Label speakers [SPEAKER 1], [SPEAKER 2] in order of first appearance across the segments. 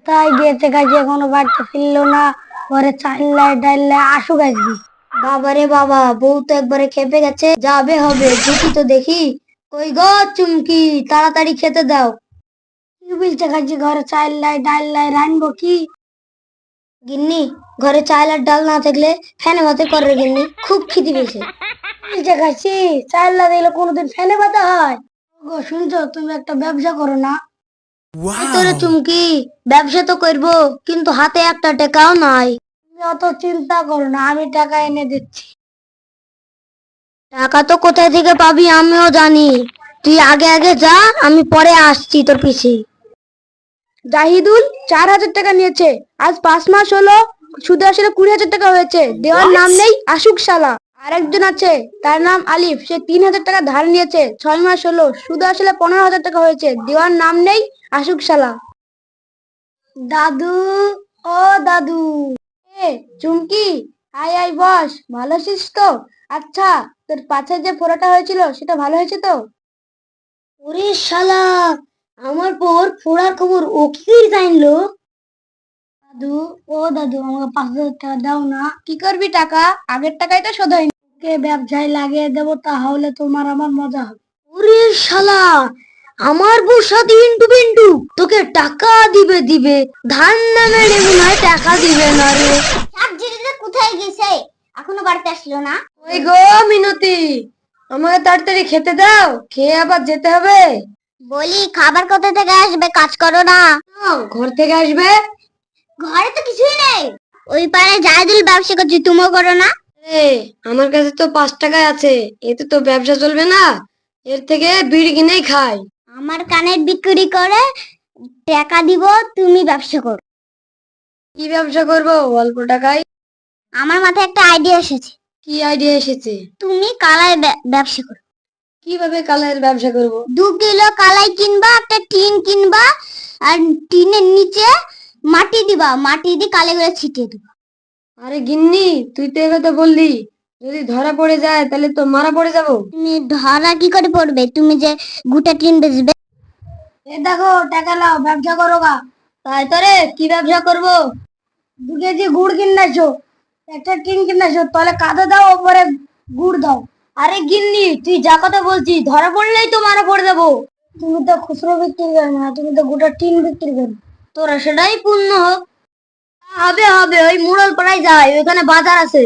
[SPEAKER 1] তাই গেছে গাছে এখনো বাড়িতে ফিরলো না। ঘরে চাইল্লাই ডাইল্লাই আসুক আজকে। বাবারে বাবা, বউ তো একবারে খেপে গেছে, যাবে হবে ঢুকি তো দেখি। কই গো চুমকি, তাড়াতাড়ি খেতে দাও। কি বলছে গাছে, ঘরে চাইল্লাই ডাইল্লাই রানবো কি? গিন্নি, ঘরে চাল আর ডাল না থাকলে ফ্যানে ভাতে করে গিন্নি, খুব খিদে পেয়েছে। বলছে গাছি, চাল না দিলে কোনোদিন ফ্যানে ভাতে হয়? গো শুনছো, তুমি একটা ব্যবসা করো না? এই তোরে চুমকি, ব্যবসা তো করবো, কিন্তু হাতে একটা টাকাও নাই। তুমি অত চিন্তা করো না, আমি টাকা এনে দিচ্ছি। টাকা তো কোথায় থেকে পাবি আমিও জানি। তুই আগে আগে যা, আমি পরে আসছি তোর পিছে।
[SPEAKER 2] জাহিদুল 4,000 টাকা নিয়েছে, আজ 5 মাস হলো, সুদে আসলে 20,000 টাকা হয়েছে, দেওয়ার নাম নেই, আসুক শালা। আর একজন আছে, তার নাম আলিফ, সে 3,000 টাকা ধার নিয়েছে, 6 মাস হলো, সুদে আসলে 15,000 টাকা হয়েছে, দেওয়ার নাম নেই, আসুক শালা।
[SPEAKER 1] দাদু, ও দাদু।
[SPEAKER 2] এ চুমকি, আয় আয় বস, ভালো আছিস তো? আচ্ছা, তোর পাছে যে ফোড়াটা হয়েছিল সেটা ভালো হয়েছে তো?
[SPEAKER 1] ওরে শালা, আমার পর ফোড়ার খবর ও কি করে জানলো? দাদু, ও দাদু, আমাকে 5,000 টাকা দাও না।
[SPEAKER 2] কি করবি টাকা? আগের টাকাই তো শোধ হয়নি।
[SPEAKER 1] ওকে ব্যবসায় লাগিয়ে দেবো, তাহলে তোমার আমার মজা হবে। ওরে শালা, আমার বউর সাথে ইন্টু পিন্টু, তোকে টাকা দিবে দিবে, ধান না মেরে মনে হয় টাকা দিবে না রে।
[SPEAKER 3] সাবজিটা কোথায় গেছে? এখনো বাড়িতে আসলো না?
[SPEAKER 2] ওই গো মিনতি, আমাকে তাড়াতাড়ি খেতে দাও, খেয়ে আবার যেতে হবে।
[SPEAKER 3] বলি খাবার কোথা থেকে আসবে? কাজ করো না?
[SPEAKER 2] ঘর থেকে আসবে।
[SPEAKER 3] ঘরে তো কিছুই নেই। ওই পারে জাহিদুল ব্যবসা করছে, তুমিও করো না?
[SPEAKER 2] এ, আমার কাছে তো 5 টাকায় আছে, এতে তো ব্যবসা চলবে না, এর থেকে বিড়ি কিনেই খাই।
[SPEAKER 3] আমার কানের বিক্রি করে টাকা দিব, তুমি ব্যবসা করো।
[SPEAKER 2] কি ব্যবসা করবো অল্প টাকায়?
[SPEAKER 3] আমার মাথায় একটা আইডিয়া এসেছে।
[SPEAKER 2] কি আইডিয়া এসেছে?
[SPEAKER 3] তুমি কালাই ব্যবসা করো।
[SPEAKER 2] কিভাবে কালের ব্যবসা করব?
[SPEAKER 3] 2 কিলো কালাই কিনবা, একটা টিন কিনবা, আর টিনের নিচে মাটি দিবা, মাটি দিয়ে কালাইগুলো ছিটিয়ে দিবা।
[SPEAKER 2] আরে গিন্নি, তুই তো একথা বললি, যদি ধরা পড়ে যায় তাহলে তো মারা পড়ে যাবো।
[SPEAKER 3] তুমি ধরা কি করে পড়বে? তুমি যে গোটা টিন বেচবে।
[SPEAKER 1] এ দেখো, টাকা লাও, ব্যবসা করো গা। তাই তো রে, কি ব্যবসা করবো? 2 কেজি গুড় কিনাইছো, একটা টিন কিনাইছো, তাহলে কাঁদা দাও, ওপরে গুড় দাও। আরে গিন্নি, তুই যা কথা বলছিস, ধরা পড়লেই তো মারা পড়ে যাবো। তুমি তো খুচরো বিক্রি করো না, তুমি তো গোটা টিন বিক্রি করো। তোরা সেটাই পূর্ণ হোক। হবে হবে, ওই মুড়ল পাড়ায় যাই, ওইখানে বাজার আছে।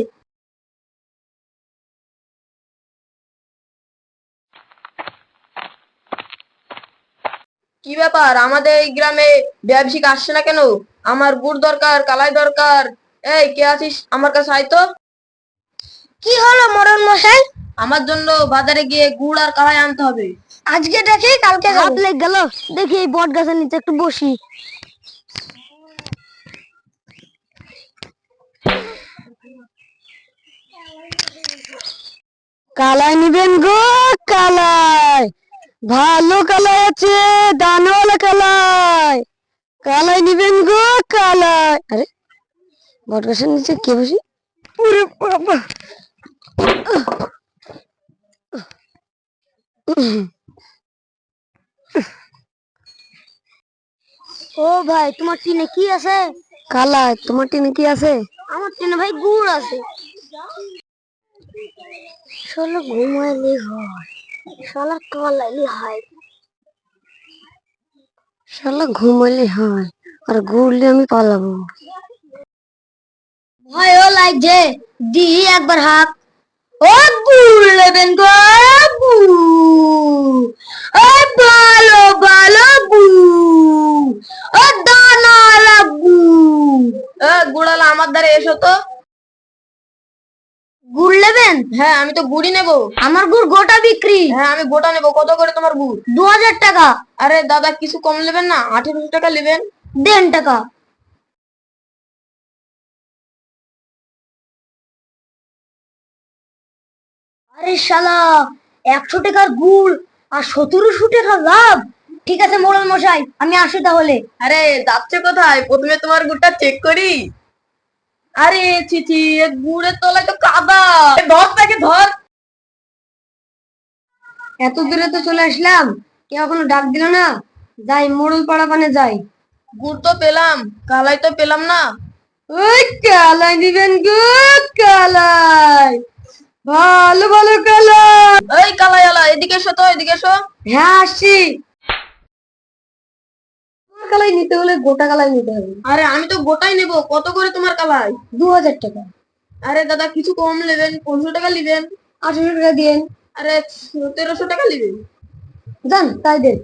[SPEAKER 2] কি ব্যাপার, আমাদের এই গ্রামে ব্যবসায়িক আসছে না কেন? আমার গুড় দরকার, কালাই দরকার। এই কে আছিস, আমার কাছে আয় তো।
[SPEAKER 1] কি হলো মরণ মশাই?
[SPEAKER 2] আমার জন্য বাজারে গিয়ে গুড় আর কালাই আনতে হবে।
[SPEAKER 1] আজকে দেখি কালকে হাত লেগে গেল। দেখি এই বট গাছের নিচে একটু বসি। কালাই নিবেন গো? কালাই ভালো কালাই আছে, দানাওয়ালা কালাই। কালাই নিবেন গো? কালাই। আরে, বট গাছের নিচে কে বসি? ওরে বাবা! ও ভাই, তোমার টিনে কি আছে? কালাই। তোমার টিনে কি আছে? আমার টিনে ভাই গুড় আছে। শালা ঘুমাইলে হয়, শালা কালাইলে হয়। শালা ঘুমাইলে হয়, আর ঘুরলে আমি পালাবো। ভয়ও লাগছে, দি একবার হাত। ও গুড় নেবেন গো? গুড়, ও ভালো ভালো গুড়, ও দানাওয়ালা গুড়।
[SPEAKER 2] গুড়ালা, আমার দ্বারা এসো তো।
[SPEAKER 1] গুড় নেবেন?
[SPEAKER 2] হ্যাঁ, আমি তো গুড়ই নেবো।
[SPEAKER 1] আমার গুড় গোটা বিক্রি।
[SPEAKER 2] হ্যাঁ, আমি গোটা নেবো। কত করে তোমার গুড়?
[SPEAKER 1] 2,000 টাকা।
[SPEAKER 2] আরে দাদা, কিছু কম নেবেন না? 1800 টাকা নেবেন।
[SPEAKER 1] দেন টাকা। আরে শালা, 100 টাকার গুড় আর 1700 টাকা লাভ। ঠিক আছে মোড়ল মশাই, আমি আসি তাহলে।
[SPEAKER 2] আরে যাচ্ছে কোথায়? প্রথমে তোমার গুড়টা চেক করি। আরে চিচি, গুড়ের তলায় তো কাদা। ধর তাকে, ধর।
[SPEAKER 1] এত দূরে তো চলে আসলাম, কেউ এখনো ডাক দিল না। যাই মোড়ল পাড়া পানে যাই,
[SPEAKER 2] গুড় তো পেলাম, কালাই তো পেলাম না। ওই কালাই দিবেন গো, কালাই, ভালো ভালো কালাই। এই কালাই আলা, এদিকে এসো তো, এদিকে এসো। হ্যাঁ আসছি। তোমার কালাই নিতে হলে গোটা কালাই নিতে হবে। আরে আমি তো গোটাই নেব, কত করে তোমার কালাই? 2000 টাকা। আরে দাদা কিছু কম নেবেন, 1500 টাকা নেবেন। 800 টাকা দিন। আরে 1300 টাকা নেবেন। জান তাই দেন।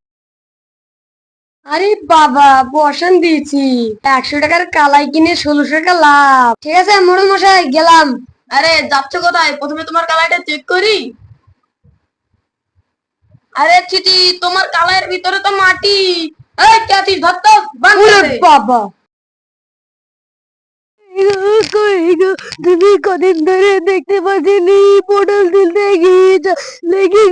[SPEAKER 2] আরে বাবা বসান দিয়েছি, 100 টাকার কালাই কিনে 1600 টাকা লাভ। ঠিক আছে মোড়ল মশাই গেলাম। আরে যাচ্ছ কোথায়? প্রথমে তোমার কালাইটা চেক করি। আরে চিটি, তোমার কালাইয়ের ভিতরে তো মাটি। এই ক্যাচি ধর তো, বাবা তুমি কদিন ধরে দেখতে পাচ্ছিনি, পটল তুলতে গিয়ে লেগে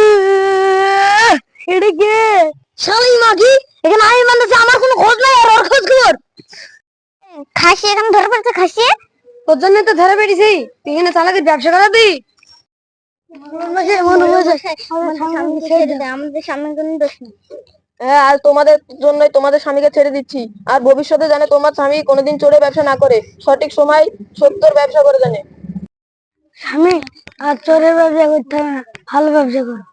[SPEAKER 2] এটা কে? শালি মাগি, এখানে আমি মানতেছি, আমার কোনো খোঁজ নাই আর ওর খোঁজ খবর।
[SPEAKER 3] খাসি এখানে ধরে পড়েছে, খাসি।
[SPEAKER 2] তোর জন্য তো ধরে পেরেছি, তুই এখানে চালাকির ব্যবসা করাবি।
[SPEAKER 3] আমাদের সামনে কোনো দোষ নেই।
[SPEAKER 2] হ্যাঁ, আর তোমাদের জন্যই তোমাদের স্বামীকে ছেড়ে দিচ্ছি। আর ভবিষ্যতে জানে তোমার স্বামী কোনোদিন চোরে ব্যবসা না করে, সঠিক সময় সত্যর ব্যবসা করে জানে।
[SPEAKER 1] স্বামী আর চোরের ব্যবসা করতে হবে না, ভালো ব্যবসা করো।